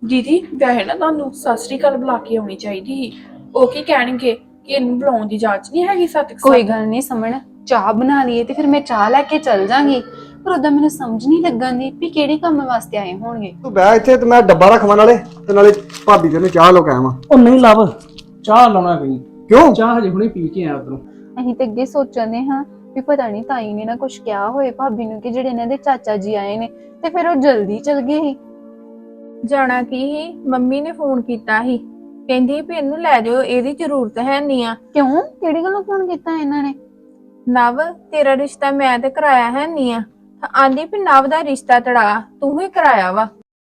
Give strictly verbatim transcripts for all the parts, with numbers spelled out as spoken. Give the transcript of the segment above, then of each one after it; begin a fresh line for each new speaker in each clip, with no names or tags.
ਦੀਦੀ ਵੈਸੇ ਨਾ ਤੁਹਾਨੂੰ ਸਤਿ ਸ੍ਰੀ ਅਕਾਲ ਬੁਲਾ ਕੇ ਆਉਣੀ ਚਾਹੀਦੀ ਸੀ। ਉਹ ਕੀ ਕਹਿਣਗੇ ਕਿ ਇਹਨੂੰ ਬੁਲਾਉਣ ਦੀ ਜਾਂਚ ਨਹੀਂ ਹੈਗੀ ਸਤਿ
ਕੋਈ ਗੱਲ ਨਹੀਂ ਸਮਣ ਚਾਹ ਬਣਾ ਲਈਏ ਤੇ ਫਿਰ ਮੈਂ ਚਾਹ ਲੈ ਕੇ ਚੱਲ ਜਾਾਂਗੀ। ਪਰ ਉਦਾਂ ਮੈਨੂੰ ਸਮਝ ਨਹੀਂ ਲੱਗਾਂਦੀ ਵੀ ਕਿਹੜੇ ਕੰਮ ਵਾਸਤੇ ਆਏ ਹੋਣਗੇ।
ਤੂੰ ਬਹਿ ਇੱਥੇ ਤੇ ਮੈਂ ਡੱਬਾ ਰੱਖਵਾਂ ਨਾਲੇ ਤੇ ਨਾਲੇ ਭਾਬੀ ਤੈਨੂੰ ਚਾਹ ਲੋ ਕੇ ਆਵਾਂ।
ਉਹ ਨਹੀਂ ਲੱਭ ਚਾਹ ਲਾਉਣਾ ਕੋਈ
ਕਿਉਂ?
ਚਾਹ ਹਜੇ ਹੁਣੇ ਪੀ ਕੇ ਆਇਆ ਉਧਰੋਂ।
ਅਸੀਂ ਤੇ ਅੱਗੇ ਸੋਚਦੇ ਹਾਂ ਵੀ ਪਤਾ ਨਹੀਂ ਤਾਈ ਨੇ ਨਾ ਕੁਝ ਕਿਹਾ ਹੋਏ ਭਾਬੀ ਨੂੰ ਕਿ ਜਿਹੜੇ ਇਹਨਾਂ ਦੇ ਚਾਚਾ ਜੀ ਆਏ ਨੇ ਤੇ ਫਿਰ ਉਹ ਜਲਦੀ ਚਲ ਗਏ ਸੀ।
ਜਾਣਾ ਕੀ ਸੀ, ਮੰਮੀ ਨੇ ਫੋਨ ਕੀਤਾ ਸੀ, ਕਹਿੰਦੀ ਵੀ ਇਹਨੂੰ ਲੈ ਜਾਓ, ਇਹਦੀ ਜ਼ਰੂਰਤ ਹੈ ਨਹੀਂ ਆ।
ਕਿਉਂ? ਕਿਹੜੀ ਗੱਲੋਂ ਫੋਨ ਕੀਤਾ ਇਹਨਾਂ ਨੇ?
ਨਵ ਤੇਰਾ ਰਿਸ਼ਤਾ ਮੈਂ ਤੇ ਕਰਾਇਆ ਹੈ ਨਹੀਂ ਆ। ਆਂਦੀ ਵੀ ਨਵ ਦਾ ਰਿਸ਼ਤਾ ਤੜਾ ਤੂੰ ਹੀ ਕਰਾਇਆ ਵਾ।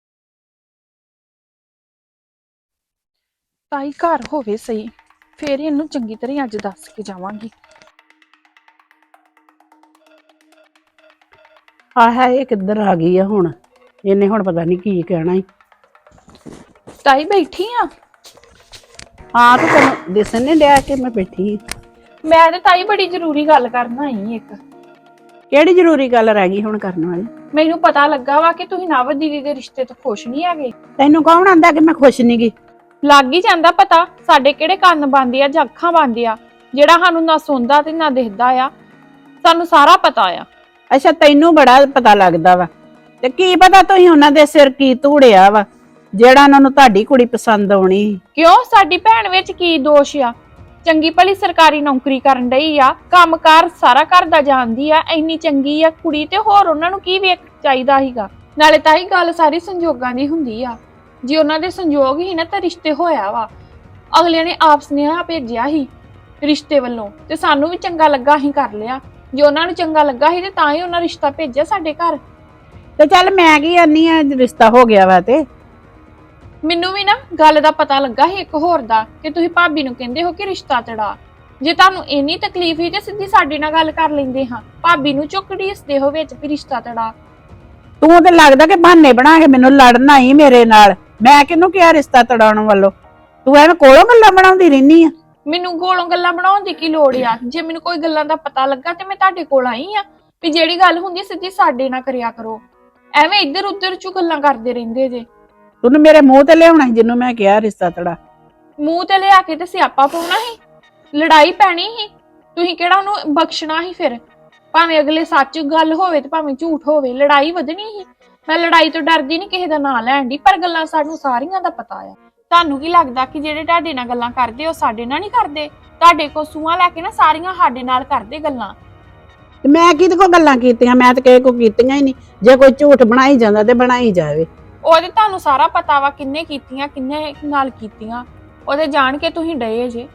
ਤਾਈ ਘਰ ਹੋਵੇ ਸਹੀ, ਫੇਰ ਇਹਨੂੰ ਚੰਗੀ ਤਰ੍ਹਾਂ ਅੱਜ ਦੱਸ ਕੇ ਜਾਵਾਂਗੀ।
ਆ ਹੈ ਇਹ ਕਿੱਧਰ ਆ ਗਈ ਆ ਹੁਣ? ਇਹਨੇ ਹੁਣ ਪਤਾ ਨਹੀਂ ਕੀ ਕਹਿਣਾ ਈ।
ਤਾਈ ਬੈਠੀ ਆ?
ਹਾਂ ਤੇ ਤੈਨੂੰ ਦਿਸਣ ਨਹੀਂ ਡਿਆ ਕਿ ਮੈਂ ਬੈਠੀ?
ਮੈਂ ਤੇ ਤਾਈ ਬੜੀ ਜ਼ਰੂਰੀ ਗੱਲ ਕਰਨ ਆਈ ਇੱਕ।
ਕਿਹੜੀ ਜ਼ਰੂਰੀ ਗੱਲ ਰਹਿ ਗਈ ਹੁਣ ਕਰਨ ਵਾਲੀ?
ਮੈਨੂੰ ਪਤਾ ਲੱਗਾ ਵਾ ਕਿ ਤੁਸੀਂ ਨਵ ਦੀਦੀ ਦੇ ਰਿਸ਼ਤੇ ਤੋਂ ਖੁਸ਼ ਨਹੀਂ ਹੈਗੇ।
ਤੈਨੂੰ ਕੌਣ ਆਂਦਾ ਕਿ ਮੈਂ ਖੁਸ਼ ਨਹੀਂ ਗਈ?
ਲੱਗ ਹੀ ਜਾਂਦਾ ਪਤਾ, ਸਾਡੇ ਕਿਹੜੇ ਕੰਨ ਬੰਦੇ ਆ ਜਾਂ ਅੱਖਾਂ ਬੰਦੇ ਆ, ਜਿਹੜਾ ਸਾਨੂੰ ਨਾ ਸੁਣਦਾ ਤੇ ਨਾ ਦਿਖਦਾ ਆ। ਸਾਨੂੰ ਸਾਰਾ ਪਤਾ ਆ।
ਅੱਛਾ ਤੈਨੂੰ ਬੜਾ ਪਤਾ ਲੱਗਦਾ ਵਾ ਤੇ ਕੀ ਪਤਾ ਤੁਸੀਂ ਉਹਨਾਂ ਦੇ ਸਿਰ ਕੀ ਧੂੜਿਆ ਵਾ ਜਿਹੜਾ ਉਹਨਾਂ ਨੂੰ ਤੁਹਾਡੀ ਕੁੜੀ ਪਸੰਦ ਆਉਣੀ।
ਕਿਉਂ? ਸਾਡੀ ਭੈਣ ਵਿੱਚ ਕੀ ਦੋਸ਼ ਆ? ਚੰਗੀ ਭਲੀ ਸਰਕਾਰੀ ਨੌਕਰੀ ਕਰਨ ਡਈ ਆ, ਕੰਮਕਾਰ ਸਾਰਾ ਘਰ ਦਾ ਜਾਣਦੀ ਆ, ਇੰਨੀ ਚੰਗੀ ਆ ਕੁੜੀ ਤੇ ਹੋਰ ਉਹਨਾਂ ਨੂੰ ਕੀ ਵੇਖ ਚਾਹੀਦਾ ਸੀਗਾ। ਨਾਲੇ ਤਾਂ ਹੀ ਗੱਲ ਸਾਰੀ ਸੰਜੋਗਾਂ ਦੀ ਹੁੰਦੀ ਆ। ਜੇ ਉਹਨਾਂ ਦੇ ਸੰਜੋਗ ਹੀ ਨਾ ਤਾਂ ਰਿਸ਼ਤੇ ਹੋਇਆ ਵਾ। ਅਗਲਿਆਂ ਨੇ ਆਪ ਸੁਨੇਹਾ ਭੇਜਿਆ ਸੀ ਰਿਸ਼ਤੇ ਵੱਲੋਂ ਤੇ ਸਾਨੂੰ ਵੀ ਚੰਗਾ ਲੱਗਾ ਹੀ ਕਰ ਲਿਆ। ਜੇ ਉਹਨਾਂ ਨੂੰ ਚੰਗਾ ਲੱਗਾ ਸੀ ਤੇ ਤਾਂ ਹੀ ਉਹਨਾਂ ਰਿਸ਼ਤਾ ਭੇਜਿਆ ਸਾਡੇ ਘਰ।
ਤੇ ਚੱਲ ਮੈਂ ਕੀ ਆਨੀ ਆ, ਰਿਸ਼ਤਾ ਹੋ ਗਿਆ ਵਾ ਤੇ
ਮੈਨੂੰ ਵੀ ਨਾ ਗੱਲ ਦਾ ਪਤਾ ਲੱਗਾ ਸੀ ਇੱਕ ਹੋਰ ਦਾ ਕਿ ਤੁਸੀਂ ਭਾਬੀ ਨੂੰ ਕਹਿੰਦੇ ਹੋ ਕਿ ਰਿਸ਼ਤਾ ਤੜਾ। ਜੇ ਤੁਹਾਨੂੰ ਇੰਨੀ ਤਕਲੀਫ ਹੀ ਤੇ ਸਿੱਧੀ ਸਾਡੇ ਨਾਲ ਗੱਲ ਕਰ ਲੈਂਦੇ ਹਾਂ। ਭਾਬੀ ਨੂੰ ਚੁੱਕੜੀ ਇਸਦੇ ਹੋ ਵਿੱਚ ਵੀ ਰਿਸ਼ਤਾ ਤੜਾ।
ਤੂੰ ਤੇ ਲੱਗਦਾ ਕਿ ਬਹਾਨੇ ਬਣਾ ਕੇ ਮੈਨੂੰ ਲੜਨ ਆਈ ਮੇਰੇ ਨਾਲ। ਮੈਂ ਕਿਹਨੂੰ ਕਿਹਾ ਰਿਸ਼ਤਾ ਤੜਾਉਣ ਵੱਲੋਂ? ਤੂੰ ਐਵੇਂ ਕੋਲੋਂ ਗੱਲਾਂ ਬਣਾਉਂਦੀ ਰਹਿਨੀ ਆ।
ਮੈਨੂੰ ਕੋਲੋਂ ਗੱਲਾਂ ਬਣਾਉਣ ਦੀ ਕੀ ਲੋੜ ਆ? ਜੇ ਮੈਨੂੰ ਕੋਈ ਗੱਲਾਂ ਦਾ ਪਤਾ ਲੱਗਾ ਤੇ ਮੈਂ ਤੁਹਾਡੇ ਕੋਲ ਆਈ ਆ ਵੀ ਜਿਹੜੀ ਗੱਲ ਹੁੰਦੀ ਸਿੱਧੀ ਸਾਡੇ ਨਾਲ ਕਰਿਆ ਕਰੋ। ਐਵੇਂ ਇੱਧਰ ਉੱਧਰ ਚੋਂ ਗੱਲਾਂ ਕਰਦੇ ਰਹਿੰਦੇ ਜੇ।
ਤੂੰ ਮੇਰੇ ਮੂੰਹ ਤੇ ਲਿਆਉਣਾ ਸੀ ਜਿਹਨੂੰ ਮੈਂ ਕਿਹਾ ਰਿਸ਼ਤਾ ਤੜਾ।
ਮੂੰਹ ਤੇ ਲਿਆ ਕੇ ਤੇ ਸਿਆਪਾ ਪਾਉਣਾ ਸੀ, ਲੜਾਈ ਪੈਣੀ ਸੀ। ਤੁਸੀਂ ਕਿਹੜਾ ਉਹਨੂੰ ਬਖਸ਼ਣਾ ਸੀ? ਫਿਰ ਭਾਵੇਂ ਅਗਲੇ ਸੱਚ ਗੱਲ ਹੋਵੇ ਤੇ ਭਾਵੇਂ ਝੂਠ ਹੋਵੇ, ਲੜਾਈ ਵਧਣੀ ਸੀ। ਮੈਂ ਲੜਾਈ ਤੋਂ ਡਰਦੀ ਨਹੀਂ ਕਿਸੇ ਦਾ ਨਾਂ ਲੈਣ ਦੀ, ਪਰ ਗੱਲਾਂ ਸਾਨੂੰ ਸਾਰੀਆਂ ਦਾ ਪਤਾ ਆ। ਤੁਹਾਨੂੰ ਕੀ ਲੱਗਦਾ ਕਿ ਜਿਹੜੇ ਤੁਹਾਡੇ ਨਾਲ ਗੱਲਾਂ ਕਰਦੇ ਉਹ ਸਾਡੇ ਨਾਲ ਨਹੀਂ ਕਰਦੇ? ਤੁਹਾਡੇ ਕੋਲ ਸੂਹਾਂ ਲੈ ਕੇ ਨਾ ਸਾਰੀਆਂ ਸਾਡੇ ਨਾਲ ਕਰਦੇ ਗੱਲਾਂ।
ਤੇ ਮੈਂ ਕਿਹਦੇ ਕੋ ਗੱਲਾਂ ਕੀਤੀਆਂ? ਮੈਂ ਤਾਂ ਕਿਸੇ ਕੋ ਕੀਤੀਆਂ ਹੀ ਨਹੀਂ। ਜੇ ਕੋਈ ਝੂਠ ਬਣਾਈ ਜਾਂਦਾ ਤੇ ਬਣਾਈ ਜਾਵੇ।
ਉਹਦੇ ਤੁਹਾਨੂੰ ਸਾਰਾ ਪਤਾ ਵਾ ਕਿੰਨੇ ਕੀਤੀਆਂ ਕਿੰਨੇ ਨਾਲ ਕੀਤੀਆਂ। ਉਹਦੇ ਜਾਣ ਕੇ ਤੁਸੀਂ ਡਏ ਜੇ।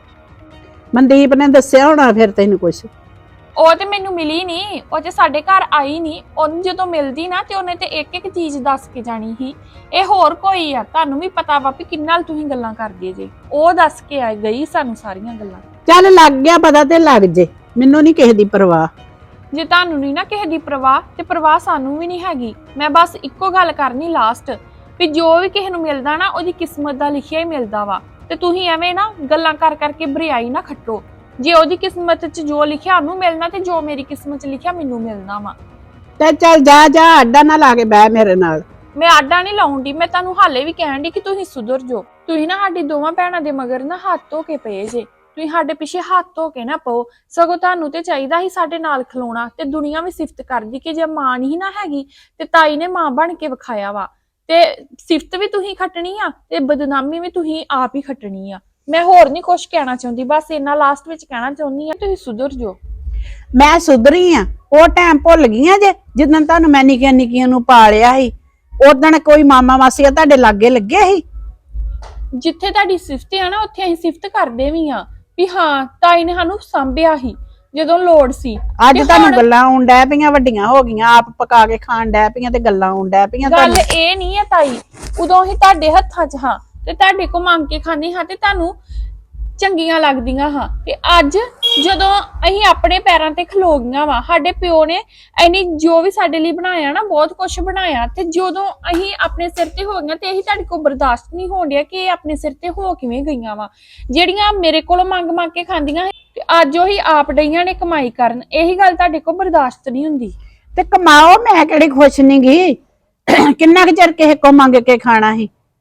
ਮਨਦੀਪ ਨੇ ਦੱਸਿਆ ਹੋਣਾ ਫਿਰ ਤੈਨੂੰ ਕੁਛ?
ਉਹ ਤੇ ਮੈਨੂੰ ਮਿਲੀ ਨਹੀਂ, ਉਹ ਤੇ ਸਾਡੇ ਘਰ ਆਈ ਨਹੀਂ। ਉਹਨੂੰ ਜਦੋਂ ਮਿਲਦੀ ਨਾ ਤੇ ਉਹਨੇ ਤੇ ਇੱਕ ਇੱਕ ਚੀਜ਼ ਦੱਸ ਕੇ ਜਾਣੀ ਸੀ। ਇਹ ਹੋਰ ਕੋਈ ਆ? ਤੁਹਾਨੂੰ ਵੀ ਪਤਾ ਵਾ ਵੀ ਕਿੰਨਾ ਤੁਸੀਂ ਗੱਲਾਂ ਕਰਦੇ ਜੇ। ਉਹ ਦੱਸ ਕੇ ਆ ਗਈ ਸਾਨੂੰ ਸਾਰੀਆਂ ਗੱਲਾਂ।
ਚੱਲ ਲੱਗ ਗਿਆ ਪਤਾ ਤੇ ਲੱਗ ਜੇ, ਮੈਨੂੰ ਨਹੀਂ ਕਿਸੇ ਦੀ ਪਰਵਾਹ।
ਜੇ ਤੁਹਾਨੂੰ ਨਹੀਂ ਨਾ ਕਿਸੇ ਦੀ ਪਰਵਾਹ ਤੇ ਪਰਵਾਹ ਸਾਨੂੰ ਵੀ ਨਹੀਂ ਹੈਗੀ। ਮੈਂ ਬਸ ਇੱਕੋ ਗੱਲ ਕਰਨੀ ਲਾਸਟ, ਵੀ ਜੋ ਵੀ ਕਿਸੇ ਨੂੰ ਮਿਲਦਾ ਨਾ ਉਹਦੀ ਕਿਸਮਤ ਦਾ ਲਿਖਿਆ ਹੀ ਮਿਲਦਾ ਵਾ। ਤੇ ਤੁਸੀਂ ਐਵੇਂ ਨਾ ਗੱਲਾਂ ਕਰ ਕਰਕੇ ਬਰਿਆਈ ਨਾ ਖੱਟੋ। ਜੇ ਉਹਦੀ ਕਿਸਮਤ 'ਚ ਜੋ ਲਿਖਿਆ ਉਹਨੂੰ ਮਿਲਣਾ ਤੇ ਜੋ ਮੇਰੀ ਕਿਸਮਤ 'ਚ ਲਿਖਿਆ ਮੈਨੂੰ ਮਿਲਣਾ ਵਾ।
ਤੇ ਚੱਲ ਜਾ ਜਾ, ਅੱਡਾ ਨਾ ਲਾ ਕੇ ਬਹਿ ਮੇਰੇ ਨਾਲ।
ਮੈਂ ਆਡਾ ਨਹੀਂ ਲਾਉਂਦੀ, ਮੈਂ ਤੁਹਾਨੂੰ ਹਾਲੇ ਵੀ ਕਹਿਣ ਦੀ ਕਿ ਤੁਸੀਂ ਸੁਧਰ ਜਾਓ। ਤੁਸੀਂ ਨਾ ਸਾਡੀ ਦੋਵਾਂ ਭੈਣਾਂ ਦੇ ਮਗਰ ਨਾ ਹੱਥ ਧੋ ਕੇ ਪਏ ਜੇ। ਤੁਸੀਂ ਸਾਡੇ ਪਿੱਛੇ ਹੱਥ ਧੋ ਕੇ ਨਾ ਪਾਓ। ਸਗੋਂ ਤੁਹਾਨੂੰ ਤੇ ਚਾਹੀਦਾ ਸੀ ਸਾਡੇ ਨਾਲ ਖਲੋਣਾ। ਤੇ ਦੁਨੀਆ ਵੀ ਸਿਫਤ ਕਰਦੀ ਕਿ ਜੇ ਮਾਂ ਨਹੀਂ ਨਾ ਹੈਗੀ ਤੇ ਤਾਈ ਨੇ ਮਾਂ ਬਣ ਕੇ ਵਿਖਾਇਆ ਵਾ। ਤੇ ਸਿਫਤ ਵੀ ਤੁਸੀਂ ਖੱਟਣੀ ਆ ਤੇ ਬਦਨਾਮੀ ਵੀ ਤੁਸੀਂ ਆਪ ਹੀ ਖੱਟਣੀ ਆ। ਮੈਂ ਹੋਰ ਨਹੀਂ ਕੁਝ ਕਹਿਣਾ ਚਾਹੁੰਦੀ, ਬਸ ਇੰਨਾ ਲਾਸਟ ਵਿੱਚ ਕਹਿਣਾ ਚਾਹੁੰਦੀ ਆ ਤੁਸੀਂ ਸੁਧਰ ਜਾਓ।
ਮੈਂ ਸੁਧਰੀ ਆ? ਉਹ ਟਾਈਮ ਭੁੱਲ ਗਈਆਂ ਜੇ ਜਿੱਦਣ ਤੁਹਾਨੂੰ ਮੈਂ ਨਿੱਕੀਆਂ ਨਿੱਕੀਆਂ ਨੂੰ ਪਾਲਿਆ ਸੀ। ਉਦਣ ਕੋਈ ਮਾਮਾ ਮਾਸੀ ਤੁਹਾਡੇ ਲਾਗੇ ਲੱਗੇ ਸੀ?
ਜਿੱਥੇ ਤੁਹਾਡੀ ਸਿਫਤ ਆ ਨਾ ਉੱਥੇ ਅਸੀਂ ਸਿਫਤ ਕਰਦੇ ਵੀ ਆ ਵੀ ਹਾਂ ਤਾਈ ਨੇ ਸਾਨੂੰ ਸਾਂਭਿਆ ਸੀ ਜਦੋਂ ਲੋੜ ਸੀ।
ਅੱਜ ਤੁਹਾਨੂੰ ਗੱਲਾਂ ਆਉਣ ਡੈ ਪਈਆਂ, ਵੱਡੀਆਂ ਹੋ ਗਈਆਂ, ਆਪ ਪਕਾ ਕੇ ਖਾਣ ਡੈ ਪਈਆਂ ਤੇ ਗੱਲਾਂ ਆਉਣ ਡੈ ਪਈਆਂ।
ਗੱਲ ਇਹ ਨਹੀਂ ਆ ਤਾਈ, ਉਦੋਂ ਹੀ ਤੁਹਾਡੇ ਹੱਥਾਂ 'ਚ ਹਾਂ ਤੇ ਤੁਹਾਡੇ ਕੋ ਮੰਗ ਕੇ ਖਾਂਦੇ ਹਾਂ ਤੇ ਤੁਹਾਨੂੰ ਚੰਗੀਆਂ ਲੱਗਦੀਆਂ ਹਾਂ। ਤੇ ਅੱਜ ਜਦੋਂ ਅਸੀਂ ਆਪਣੇ ਪੈਰਾਂ ਤੇ ਖਲੋ ਗਈਆਂ ਵਾ, ਸਾਡੇ ਪਿਓ ਨੇ ਐਨੀ ਜੋ ਵੀ ਸਾਡੇ ਲਈ ਬਣਾਇਆ ਨਾ ਬਹੁਤ ਕੁਝ ਬਣਾਇਆ, ਤੇ ਜਦੋਂ ਅਸੀਂ ਆਪਣੇ ਸਿਰ ਤੇ ਹੋ ਗਈਆਂ ਤੇ ਇਹੀ ਤੁਹਾਡੇ ਕੋਲ ਬਰਦਾਸ਼ਤ ਨਹੀਂ ਹੋਣ ਡਿਆ ਕਿ ਇਹ ਆਪਣੇ ਸਿਰ ਤੇ ਹੋ ਕਿਵੇਂ ਗਈਆਂ ਵਾ। ਜਿਹੜੀਆਂ ਮੇਰੇ ਕੋਲੋਂ ਮੰਗ ਮੰਗ ਕੇ ਖਾਂਦੀਆਂ ਤੇ ਅੱਜ ਉਹੀ ਆਪ ਡਈਆਂ ਨੇ ਕਮਾਈ ਕਰਨ। ਇਹੀ ਗੱਲ ਤੁਹਾਡੇ ਕੋਲ ਬਰਦਾਸ਼ਤ ਨਹੀਂ ਹੁੰਦੀ।
ਤੇ ਕਮਾਓ, ਮੈਂ ਕਿਹੜੀ ਖੁਸ਼ ਨਹੀਂ ਗਈ। ਕਿੰਨਾ ਕੁ ਚਿਰ ਕਿਸੇ ਕੋ ਮੰਗ ਕੇ ਖਾਣਾ ਸੀ?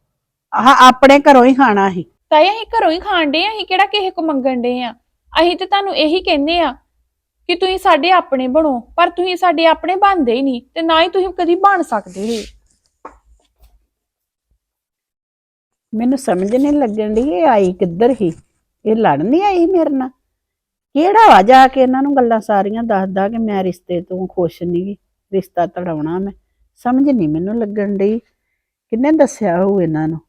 ਆਹ ਆਪਣੇ ਘਰੋਂ ਹੀ ਖਾਣਾ ਸੀ।
ਤਾਈ ਅਸੀਂ ਘਰੋਂ ਹੀ ਖਾਣ ਡੇ ਆ, ਅਸੀਂ ਕਿਹੜਾ ਕਿਸੇ ਕੋ ਮੰਗਣ ਡੇ ਆ। ਅਸੀਂ ਤੇ ਤੁਹਾਨੂੰ ਇਹੀ ਕਹਿੰਦੇ ਆ ਕਿ ਤੁਸੀਂ ਸਾਡੇ ਆਪਣੇ ਬਣੋ, ਪਰ ਤੁਸੀਂ ਸਾਡੇ ਆਪਣੇ ਬਣਦੇ ਹੀ ਨਹੀਂ ਤੇ ਨਾ ਹੀ ਤੁਸੀਂ ਕਦੀ ਬਣ ਸਕਦੇ ਹੋ।
ਮੈਨੂੰ ਸਮਝ ਨਹੀਂ ਲੱਗਣ ਦੀ ਇਹ ਆਈ ਕਿੱਧਰ ਹੀ। ਇਹ ਲੜ ਨਹੀਂ ਆਈ ਮੇਰੇ ਨਾਲ? ਕਿਹੜਾ ਵਾ ਜਾ ਕੇ ਇਹਨਾਂ ਨੂੰ ਗੱਲਾਂ ਸਾਰੀਆਂ ਦੱਸਦਾ ਕਿ ਮੈਂ ਰਿਸ਼ਤੇ ਤੋਂ ਖੁਸ਼ ਨਹੀਂ, ਰਿਸ਼ਤਾ ਤੜਾਉਣਾ ਮੈਂ। ਸਮਝ ਨਹੀਂ ਮੈਨੂੰ ਲੱਗਣ ਡਈ ਕਿੰਨੇ ਦੱਸਿਆ ਹੋਊ ਇਹਨਾਂ ਨੂੰ।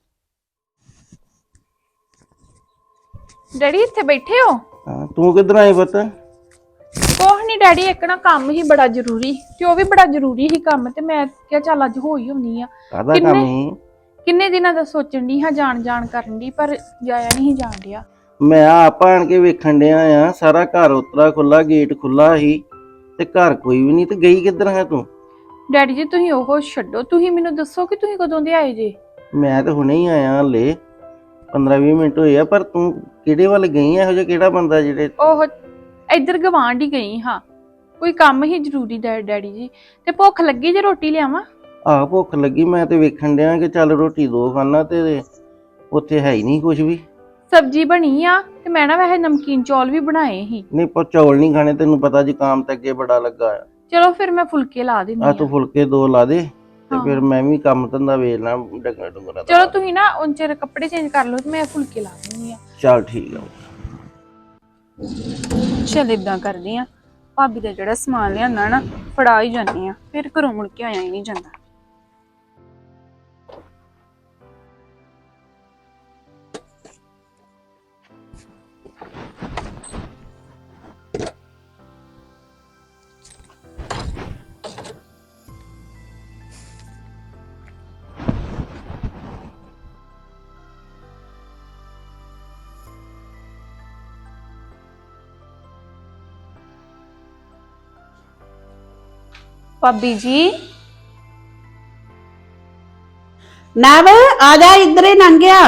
ਡੈਡੀ ਇੱਥੇ ਬੈਠੇ ਹੋ?
ਹਾਂ, ਤੂੰ ਕਿੱਧਰ ਆਈ ਪੁੱਤ?
ਕੋਹ ਨਹੀਂ ਡੈਡੀ, ਇੱਕ ਨਾ ਕੰਮ ਹੀ ਬੜਾ ਜ਼ਰੂਰੀ ਤੇ ਉਹ ਵੀ ਬੜਾ ਜ਼ਰੂਰੀ ਹੀ ਕੰਮ, ਤੇ ਮੈਂ ਕਿਹਾ ਚੱਲ ਅੱਜ ਹੋ ਹੀ ਹੁੰਨੀ ਆ।
ਕਾਹਦਾ
ਕਿੰਨੇ-
ਕੰਮ ਹੀ?
ਕਿੰਨੇ ਦਿਨਾਂ ਦਾ ਸੋਚਣ ਦੀ ਹਾਂ, ਜਾਣ ਜਾਣ ਕਰਨ ਦੀ, ਪਰ ਜਾਇਆ ਨਹੀਂ ਜਾਣ ਡਿਆ।
ਮੈਂ ਆਪ ਆਣ ਕੇ ਵੇਖਣ ਡਿਆ ਆ, ਸਾਰਾ ਘਰ ਉਤਰਾ ਖੁੱਲਾ, ਗੇਟ ਖੁੱਲਾ ਸੀ ਤੇ ਘਰ ਕੋਈ ਵੀ ਨਹੀਂ, ਤੇ ਗਈ ਕਿੱਧਰ ਹੈ ਤੂੰ?
ਡੈਡੀ ਜੀ ਤੁਸੀਂ ਉਹ ਛੱਡੋ, ਤੁਸੀਂ ਮੈਨੂੰ ਦੱਸੋ ਕਿ ਤੁਸੀਂ ਕਦੋਂ ਦੇ ਆਏ ਜੇ?
ਮੈਂ ਤਾਂ ਹੁਣੇ ਹੀ ਆਇਆ ਹਲੇ, ਪੰਦਰਾਂ ਵੀਹ ਮਿੰਟ ਹੋਏ ਆ। ਪਰ ਤੂੰ ਕਿਹੜੇ ਵੱਲ ਗਈ ਆ? ਇਹੋ ਜਿਹਾ ਕਿਹੜਾ ਬੰਦਾ ਜਿਹੜੇ?
ਉਹ ਇੱਧਰ ਗਵਾਂਢ ਹੀ ਗਈ ਹਾਂ, ਕੋਈ ਕੰਮ ਹੀ ਜ਼ਰੂਰੀ ਡੈ- ਡੈਡੀ ਜੀ। ਤੇ ਭੁੱਖ ਲੱਗੀ ਜੇ ਰੋਟੀ ਲਿਆਵਾਂ?
ਆਹ ਭੁੱਖ ਲੱਗੀ, ਮੈਂ ਤੇ ਵੇਖਣ ਡਿਆ ਕਿ ਚੱਲ ਰੋਟੀ ਦੋ ਖਾਣਾ, ਤੇ ਉੱਥੇ ਹੈ ਹੀ ਨਹੀਂ ਕੁਝ ਵੀ।
ਸਬਜ਼ੀ ਬਣੀ ਆ ਤੇ ਮੈਂ ਨਾ ਵੈਸੇ ਨਮਕੀਨ ਚੌਲ ਵੀ ਬਣਾਏ ਸੀ।
ਨਹੀਂ ਪਰ ਚੌਲ ਨਹੀਂ ਖਾਣੇ, ਤੈਨੂੰ ਪਤਾ ਜ਼ੁਕਾਮ ਤੇ ਅੱਗੇ ਬੜਾ ਲੱਗਾ ਆ।
ਚਲੋ ਫਿਰ ਮੈਂ ਫੁਲਕੇ ਲਾ ਦਿੰਦੀ
ਆ
ਆ।
ਤੂੰ ਫੁਲਕੇ ਦੋ ਲਾ ਦੇ ਤੇ
ਹਾਂ।
ਫਿਰ ਮੈਂ ਵੀ ਕੰਮ ਧੰਦਾ ਵੇਖ ਲਾਂ ਡੰਗਰ ਡੁੰਗਰਾਂ ਦਾ।
ਚਲੋ ਤੁਸੀਂ ਨਾ ਉਨ ਚਿਰ ਕੱਪੜੇ ਚੇਂਜ ਕਰ ਲਓ ਤੇ ਮੈਂ ਫੁਲਕੇ ਲਾ ਦਿੰਦੀ ਆ।
ਚੱਲ ਠੀਕ ਆ।
ਚੱਲ ਇਦਾਂ ਕਰਦੀ ਆ, ਭਾਬੀ ਦਾ ਜਿਹੜਾ ਸਮਾਨ ਲਿਆਂਦਾ ਨਾ ਫੜਾ ਹੀ ਜਾਂਦੀ ਆ, ਫਿਰ ਘਰੋਂ ਮੁੜ ਕੇ ਆਇਆ ਹੀ ਨਹੀਂ ਜਾਂਦਾ। ਭਾਬੀ ਜੀ
ਨਵ ਆ ਜਾ, ਇੱਧਰ ਹੀ ਲੰਘ ਗਿਆ।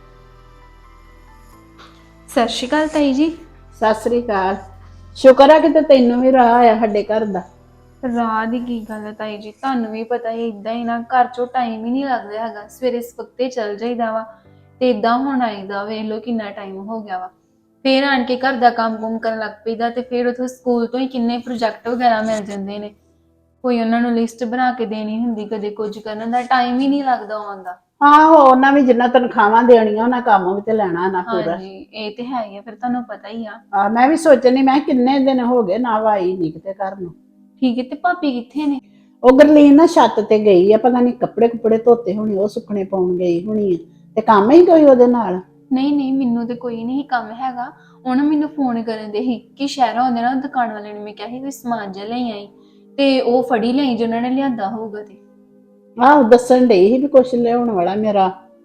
ਸਤਿ ਸ਼੍ਰੀ ਅਕਾਲ ਤਾਈ ਜੀ।
ਸਤਿ ਸ੍ਰੀ ਅਕਾਲ। ਸ਼ੁਕਰ ਆ ਕਿ ਤੈਨੂੰ ਵੀ ਰਾਹ ਆਇਆ ਸਾਡੇ ਘਰ ਦਾ।
ਰਾਹ ਦੀ ਕੀ ਗੱਲ ਹੈ ਤਾਈ ਜੀ, ਤੁਹਾਨੂੰ ਵੀ ਪਤਾ ਹੀ ਇਦਾਂ ਹੀ ਨਾ, ਘਰ ਚੋਂ ਟਾਈਮ ਹੀ ਨਹੀਂ ਲੱਗਦਾ ਹੈਗਾ। ਸਵੇਰੇ ਸਵਖਤੇ ਚੱਲ ਜਾਈਦਾ ਵਾ ਤੇ ਇਦਾਂ ਹੁਣ ਆਈਦਾ, ਵੇਖ ਲਓ ਕਿੰਨਾ ਟਾਈਮ ਹੋ ਗਿਆ ਵਾ। ਫੇਰ ਆਣ ਕੇ ਘਰ ਦਾ ਕੰਮ ਕੁਮ ਕਰਨ ਲੱਗ ਪਈਦਾ, ਤੇ ਫਿਰ ਉਥੋਂ ਸਕੂਲ ਤੋਂ ਹੀ ਕਿੰਨੇ ਪ੍ਰੋਜੈਕਟ ਵਗੈਰਾ ਮਿਲ ਜਾਂਦੇ ਨੇ, ਕੋਈ ਉਹਨਾਂ ਨੂੰ ਲਿਸਟ ਬਣਾ ਕੇ ਦੇਣੀ ਹੁੰਦੀ, ਕਦੇ ਕੁਝ ਕਰਨ ਦਾ ਟਾਈਮ ਹੀ ਨਹੀਂ ਲੱਗਦਾ ਆਉਣ ਦਾ।
ਆਹੋ, ਉਹਨਾਂ ਵੀ ਜਿੰਨਾ ਤਨਖਾਹਾਂ ਦੇਣੀਆਂ ਉਹਨਾਂ ਕੰਮ ਵੀ ਤੇ ਲੈਣਾ ਨਾ ਪੂਰਾ।
ਹਾਂਜੀ ਇਹ ਤੇ ਹੈ ਹੀ ਆ, ਫਿਰ ਤੁਹਾਨੂੰ ਪਤਾ ਹੀ ਆ।
ਆ ਮੈਂ ਵੀ ਸੋਚਣੀ, ਮੈਂ ਕਿੰਨੇ ਦਿਨ ਹੋ ਗਏ ਨਾ ਆਈ ਨਹੀਂ ਕਿਤੇ ਘਰ ਨੂੰ।
ਠੀਕ ਹੈ, ਤੇ ਭਾਬੀ ਕਿੱਥੇ ਨੇ?
ਉਹ ਗਰਲੀਨ ਨਾ ਛੱਤ ਤੇ ਗਈ ਆ, ਪਤਾ ਨਹੀਂ ਕੱਪੜੇ ਕੁਪੜੇ ਧੋਤੇ ਹੋਣੇ, ਉਹ ਸੁੱਕਣੇ ਪਾਉਣ ਗਈ ਹੋਣੀ ਆ, ਤੇ ਕੰਮ ਹੀ ਕੋਈ ਉਹਦੇ ਨਾਲ।
ਨਹੀਂ ਨਹੀਂ, ਮੈਨੂੰ ਤੇ ਕੋਈ ਨਹੀਂ ਕੰਮ ਹੈਗਾ। ਉਹਨੇ ਮੈਨੂੰ ਫੋਨ ਕਰਨ ਦੇ ਸੀ ਕਿ ਸ਼ਹਿਰੋਂ ਆਉਂਦੇ ਨਾ, ਦੁਕਾਨ ਵਾਲੇ ਨੇ ਮੈਂ ਕਿਹਾ ਸੀ ਕੋਈ ਸਮਾਨ ਜਿਹਾ ਲਈ ਆਈ, ਤੇ ਉਹ ਫੜੀ ਲਈ ਜੋ ਉਹਨਾਂ ਨੇ ਲਿਆਂਦਾ ਹੋਊਗਾ। ਤੇ
ਆਹੋ ਦੱਸਣ ਡਈ ਸੀ ਵੀ ਕੁਛ ਲਿਆਉਣ ਵਾਲਾ ਮੇਰਾ।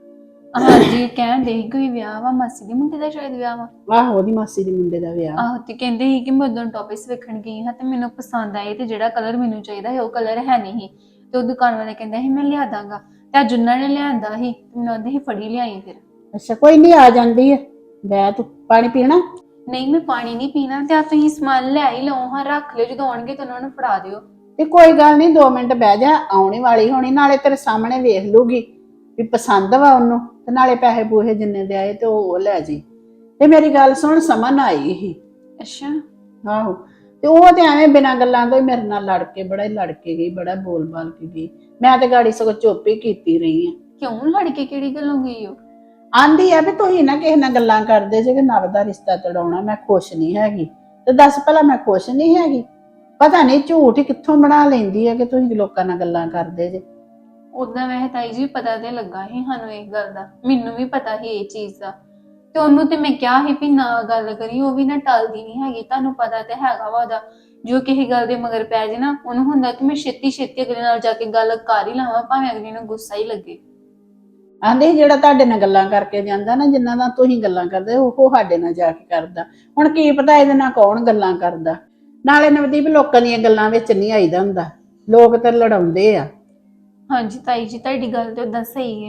ਹਾਂਜੀ ਕਹਿੰਦੇ ਸੀ ਕੋਈ ਵਿਆਹ ਵਾ, ਮਾਸੀ ਦੇ ਮੁੰਡੇ ਦਾ ਸ਼ਾਇਦ ਵਿਆਹ ਵਾ।
ਆਹੋ ਉਹਦੀ ਮਾਸੀ ਦੇ ਮੁੰਡੇ ਦਾ ਵਿਆਹ।
ਆਹੋ, ਤੇ ਕਹਿੰਦੇ ਸੀ ਕਿ ਮੈਂ ਉਦੋਂ ਟੌਪਿਸ ਵੇਖਣ ਗਈ ਹਾਂ ਤੇ ਮੈਨੂੰ ਪਸੰਦ ਆਏ, ਤੇ ਜਿਹੜਾ ਕਲਰ ਮੈਨੂੰ ਚਾਹੀਦਾ ਸੀ ਉਹ ਕਲਰ ਹੈ ਨਹੀਂ ਸੀ, ਤੇ ਉਹ ਦੁਕਾਨ ਵਾਲੇ ਕਹਿੰਦਾ ਸੀ ਮੈਂ ਲਿਆ ਦਾਂਗਾ, ਤੇ ਅੱਜ ਉਹਨਾਂ ਨੇ ਲਿਆਂਦਾ ਸੀ ਤੇ ਮੈਨੂੰ ਉਹਦੇ ਹੀ ਫੜੀ ਲਿਆਈ। ਫਿਰ
ਅੱਛਾ ਕੋਈ ਨਹੀਂ, ਆ ਜਾਂਦੀ ਹੈ। ਬੈ ਤੂੰ ਪਾਣੀ ਪੀਣਾ?
ਨਹੀਂ ਮੈਂ ਪਾਣੀ ਨਹੀਂ ਪੀਣਾ, ਤੇ ਆ ਤੁਸੀਂ ਸਮਾਨ ਲੈ ਹੀ ਲਓ ਹਾਂ, ਰੱਖ ਲਿਓ, ਜਦੋਂ ਆਉਣਗੇ ਤਾਂ ਉਹਨਾਂ ਨੂੰ ਫੜਾ ਦਿਓ।
ਤੇ ਕੋਈ ਗੱਲ ਨਹੀਂ, ਦੋ ਮਿੰਟ ਬਹਿ ਜਾ, ਆਉਣੀ ਵਾਲੀ ਹੋਣੀ, ਨਾਲੇ ਤੇਰੇ ਸਾਹਮਣੇ ਵੇਖ ਲੂਗੀ ਵੀ ਪਸੰਦ ਵਾ ਉਹਨੂੰ, ਤੇ ਨਾਲੇ ਪੈਸੇ ਪੂਹੇ ਜਿੰਨੇ ਦੇ ਆਏ ਤੇ ਉਹ ਲੈ ਜੀ। ਤੇ ਮੇਰੀ ਗੱਲ ਸੁਣ, ਸਮਨ ਆਈ ਸੀ।
ਅੱਛਾ।
ਆਹੋ, ਤੇ ਉਹ ਤੇ ਐਵੇਂ ਬਿਨਾਂ ਗੱਲਾਂ ਤੋਂ ਹੀ ਮੇਰੇ ਨਾਲ ਲੜ ਕੇ, ਬੜਾ ਹੀ ਲੜ ਕੇ ਗਈ, ਬੜਾ ਬੋਲ ਬਾਲ ਕੇ ਗਈ। ਮੈਂ ਤੇ ਗਾੜੀ ਸਗੋਂ ਚੁੱਪ ਹੀ ਕੀਤੀ ਰਹੀ ਆ।
ਕਿਉਂ ਲੜ ਕੇ ਕਿਹੜੀ ਗੱਲੋਂ ਗਈ ਹੋ?
ਆਂਦੀ ਆ ਵੀ ਤੁਸੀਂ ਨਾ ਕਿਸੇ ਨਾਲ ਗੱਲਾਂ ਕਰਦੇ ਜੇ ਕਿ ਨਵ ਦਾ ਰਿਸ਼ਤਾ ਤੜਾਉਣਾ, ਮੈਂ ਖੁਸ਼ ਨਹੀਂ ਹੈਗੀ। ਤੇ ਦੱਸ ਭਲਾ ਮੈਂ ਖੁਸ਼ ਨਹੀਂ ਹੈਗੀ? ਪਤਾ ਨਹੀਂ ਝੂਠ ਹੀ ਕਿੱਥੋਂ ਬਣਾ ਲੈਂਦੀ ਹੈ ਕਿ ਤੁਸੀਂ ਲੋਕਾਂ ਨਾਲ ਗੱਲਾਂ ਕਰਦੇ ਜੇ।
ਉਦਾਂ ਵੈਸੇ ਤਾਈ ਜੀ ਪਤਾ ਤੇ ਲੱਗਾ ਸੀ ਸਾਨੂੰ ਇਸ ਗੱਲ ਦਾ, ਮੈਨੂੰ ਵੀ ਪਤਾ ਸੀ ਇਹ ਚੀਜ਼ ਦਾ, ਤੇ ਉਹਨੂੰ ਤੇ ਮੈਂ ਕਿਹਾ ਸੀ ਵੀ ਨਾ ਗੱਲ ਕਰੀ, ਉਹ ਵੀ ਨਾ ਟਲਦੀ ਨਹੀਂ ਹੈਗੀ। ਤੁਹਾਨੂੰ ਪਤਾ ਤੇ ਹੈਗਾ ਵਾ ਉਹਦਾ, ਜੋ ਕਿਸੇ ਗੱਲ ਦੇ ਮਗਰ ਪੈ ਜੇ ਨਾ, ਉਹਨੂੰ ਹੁੰਦਾ ਕਿ ਮੈਂ ਛੇਤੀ ਛੇਤੀ ਅਗਲੇ ਨਾਲ ਜਾ ਕੇ ਗੱਲ ਕਰ ਹੀ ਲਵਾਂ, ਭਾਵੇਂ ਅਗਲੇ ਨੂੰ ਗੁੱਸਾ ਹੀ ਲੱਗੇ।
ਆਂਦੇ ਜਿਹੜਾ ਤੁਹਾਡੇ ਨਾਲ ਗੱਲਾਂ ਕਰਕੇ ਜਾਂਦਾ ਨਾ, ਜਿੰਨਾਂ ਨਾਲ ਤੁਸੀਂ ਗੱਲਾਂ ਕਰਦੇ ਉਹ ਸਾਡੇ ਨਾਲ ਜਾ ਕੇ ਕਰਦਾ। ਹੁਣ ਕੀ ਪਤਾ ਇਹਦੇ ਨਾਲ ਕੌਣ ਗੱਲਾਂ ਕਰਦਾ। ਨਾਲੇ ਨਵਦੀਪ, ਲੋਕਾਂ ਦੀਆਂ ਗੱਲਾਂ ਵਿੱਚ ਨਹੀਂ ਆਈਦਾ ਹੁੰਦਾ, ਲੋਕ ਤਾਂ ਲੜਾਉਂਦੇ ਆ।
ਹਾਂਜੀ ਤਾਈ ਜੀ, ਤੁਹਾਡੀ ਗੱਲ ਤੇ ਉਦਾਂ ਸਹੀ ਹੈ,